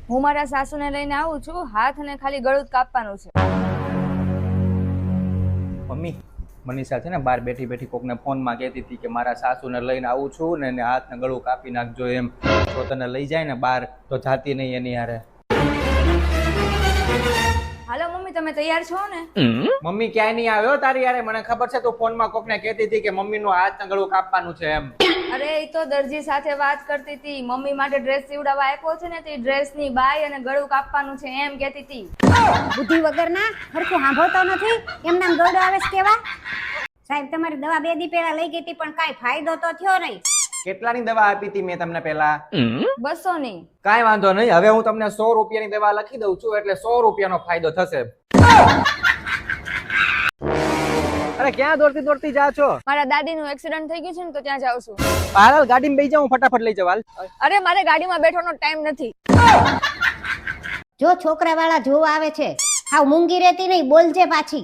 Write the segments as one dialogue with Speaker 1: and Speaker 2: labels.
Speaker 1: હું મારા સાસુને લઈને આવું છું, હાથ અને ખાલી ગળું જ કાપવાનું છે.
Speaker 2: મમ્મી મનીષા છે ને બહાર બેઠી બેઠી કોકને ફોનમાં કહેતી હતી કે મારા સાસુને લઈને આવું છું ને એને હાથને ગળું કાપી નાખજો એમ. જો તને લઈ જાય ને બહાર તો જાતી નહીં એની હારે.
Speaker 1: હાલો મમ્મી, તમે તૈયાર છો ને?
Speaker 2: મમ્મી ક્યાંય નહીં આવ્યો તારી યારે. મને ખબર છે તું ફોનમાં કોકને કહેતી હતી કે મમ્મીનું હાથને ગળું કાપવાનું છે એમ.
Speaker 1: અરે એ તો દરજી સાથે વાત કરતી હતી. મમ્મી માટે ડ્રેસ સીવડાવવા આપ્યો છે ને, તે ડ્રેસની બાય અને ગળું કાપવાનું છે એમ કહેતી હતી.
Speaker 3: બુદ્ધિ વગરના હરખું સાંભળતો નથી. એમ નામ ગળું આવે છે કેવા? સાહેબ તમારી દવા 2 દી પહેલા લઈ ગઈ હતી પણ કાઈ ફાયદો તો થયો નહીં.
Speaker 2: કેટલાની દવા આપી હતી મેં તમને પહેલા?
Speaker 1: 200 ની.
Speaker 2: કાંઈ વાંધો નહીં, હવે હું તમને 100 રૂપિયાની દવા લખી દઉં છું એટલે 100 રૂપિયાનો ફાયદો થશે. અરે ક્યાં દોડતી દોડતી જા છો?
Speaker 1: મારા દાદીનું એક્સિડન્ટ થઈ ગયું છે ને તો ત્યાં જાઉં છું.
Speaker 2: હાલ ગાડીમાં બેસી જાઉં, ફટાફટ લઈ જાવ. હાલ.
Speaker 1: અરે મારે ગાડીમાં બેઠવાનો ટાઈમ નથી.
Speaker 3: જો છોકરા વાળા જોવા આવે છે, હાવ મૂંગી રહેતી નહીં, બોલજે પાછી.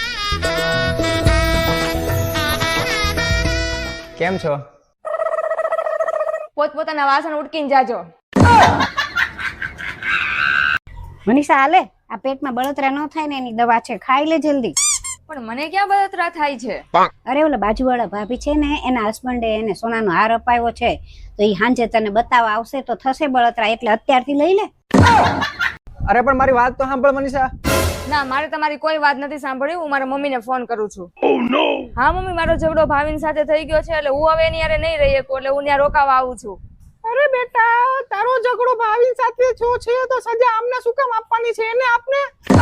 Speaker 2: કેમ છો?
Speaker 1: પોતપોતાના વાસણ ઉટકીને જાજો.
Speaker 3: મનીષા હાલે, આ પેટમાં બળતરા ન થાય ને એની દવા છે, ખાઈ લે જલ્દી.
Speaker 1: પણ મને ક્યાં બળતરા થાય છે?
Speaker 3: અરે ઓલા બાજુવાળા ભાભી છે ને, એના હસબન્ડે એને સોનાનો હાર અપાવ્યો છે, તો એ હાંજે તને બતાવવા આવશે તો થશે બળતરા, એટલે અત્યારથી લઈ લે.
Speaker 2: અરે પણ મારી વાત તો સાંભળ મનીષા.
Speaker 1: ના, મારે તમારી કોઈ વાત નથી સાંભળવી. હું મારા મમ્મીને ફોન કરું છું. હા મમ્મી, મારો ઝઘડો ભાવિન સાથે થઈ ગયો છે એટલે હું હવે એની હારે નહીં રહી શકું, એટલે હું ત્યાં રોકાવા આવું છું.
Speaker 2: અરે બેટા, તારો ઝઘડો ભાવિન સાથે જો છે તો સજા આમને શું કામ આપવાની છે? એને આપને.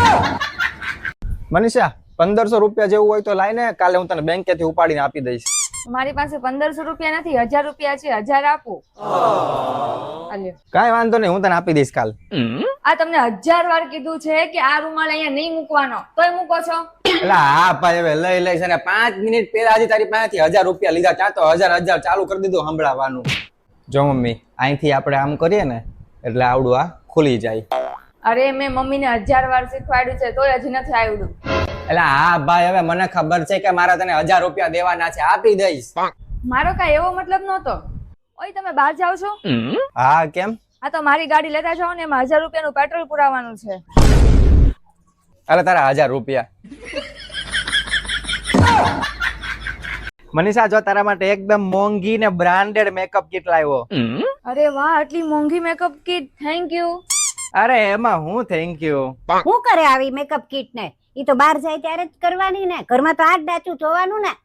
Speaker 2: મનીષા 1500 રૂપિયા જેવું હોય તો લાઈને, કાલે હું તને બેંકેથી ઉપાડીને આપી દઈશ.
Speaker 1: મારી પાસે 1500 રૂપિયા નથી, 1000 રૂપિયા છે. 1000 આપો. અલ્યો.
Speaker 2: કાંઈ વાંધો નહીં, હું તને આપી દઈશ કાલ.
Speaker 1: આ તમને 1000 વાર કીધું છે કે આ રૂમાલ અહીંયા નહીં મૂકવાનો, તોય મૂકો છો.
Speaker 2: એટલે હા ભાઈ, હવે લઈ લઈશ. અને 5 મિનિટ પહેલા હજી તારી પાસેથી 1000 રૂપિયા લીધા, ત્યાં તો 1000 ચાલુ કરી દીધું સંભળાવાનું. જો મમ્મી, અહીંથી આપણે આમ કરીએ ને એટલે આવડું આ ખુલી જાય.
Speaker 1: અરે મેં મમ્મીને 1000 વાર શીખવાડ્યું છે તોય હજી નથી આવડ્યું.
Speaker 2: એટલે હા ભાઈ, હવે મને ખબર છે કે મારા તને 1000 રૂપિયા દેવાના છે, આપી દઈશ.
Speaker 1: મારો કઈ એવો મતલબ નહોતો. ઓય તમે બહાર જાવ છો?
Speaker 2: હા કેમ?
Speaker 1: આ તો મારી ગાડી લેતા જાઓ ને, એમાં 1000 રૂપિયાનું પેટ્રોલ પુરાવાનું છે.
Speaker 2: અરે તારા 1000 રૂપિયા. મનીષા, જો તારા માટે એકદમ મોંઘી ને બ્રાન્ડેડ મેકઅપ કિટ લાવ્યો.
Speaker 1: અરે વાહ, આટલી મોંઘી મેકઅપ કિટ, થેન્ક યુ.
Speaker 2: અરે એમાં હું થેન્ક યુ.
Speaker 3: શું કરે આવી મેકઅપ કિટ ને? ઈ તો બહાર જાય ત્યારે જ કરવાની ને, ઘરમાં તો આ જ ડાચું જોવાનું ને.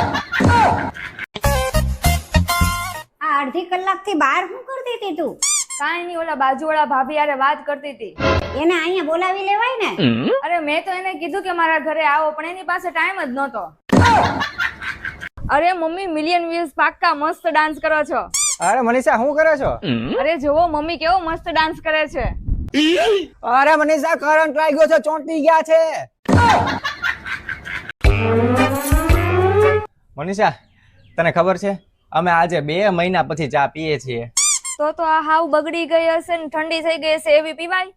Speaker 3: આ અડધી કલાકથી બહાર શું કરતી હતી તું?
Speaker 1: કાંઈ નહીં, ઓલા બાજુવાળા ભાભી હારે વાત કરતી હતી.
Speaker 3: એને અહીંયા બોલાવી લેવાય ને.
Speaker 1: અરે મેં તો એને કીધું કે મારા ઘરે આવો, પણ એની પાસે ટાઈમ જ નહોતો. અરે મમ્મી, મિલિયન વ્યૂઝ પાક્કા, મસ્ત ડાન્સ કરો છો.
Speaker 2: અરે મનીષા, શું કરે છો?
Speaker 1: અરે જોવો મમ્મી કેવો મસ્ત ડાન્સ કરે છે.
Speaker 2: અરે મનીષા, કરંટ લાગ્યો છે, ચોંટી ગયા છે. મનીષા, તને ખબર છે અમે આજે 2 મહિના પછી ચા પીએ છીએ.
Speaker 1: તો આ હાવ બગડી ગઈ હશે ને ઠંડી થઈ ગઈ હશે, એવી પીવાય?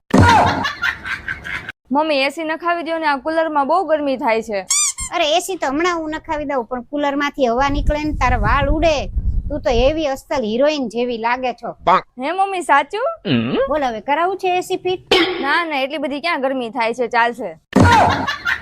Speaker 1: મમ્મી એસી નખાવી દો ને, આ કુલર માં બહુ ગરમી થાય છે.
Speaker 3: અરે એસી તો હમણાં હું નખાવી દઉં, પણ કુલર માંથી હવા નીકળે ને તારા વાળ ઉડે. તું તો એવી અસલ હિરોઈન જેવી લાગે છો.
Speaker 1: હે મમ્મી, સાચું?
Speaker 3: બોલ હવે કરાવું છે એસી ફિટ?
Speaker 1: ના ના, એટલી બધી ક્યાં ગરમી થાય છે, ચાલશે.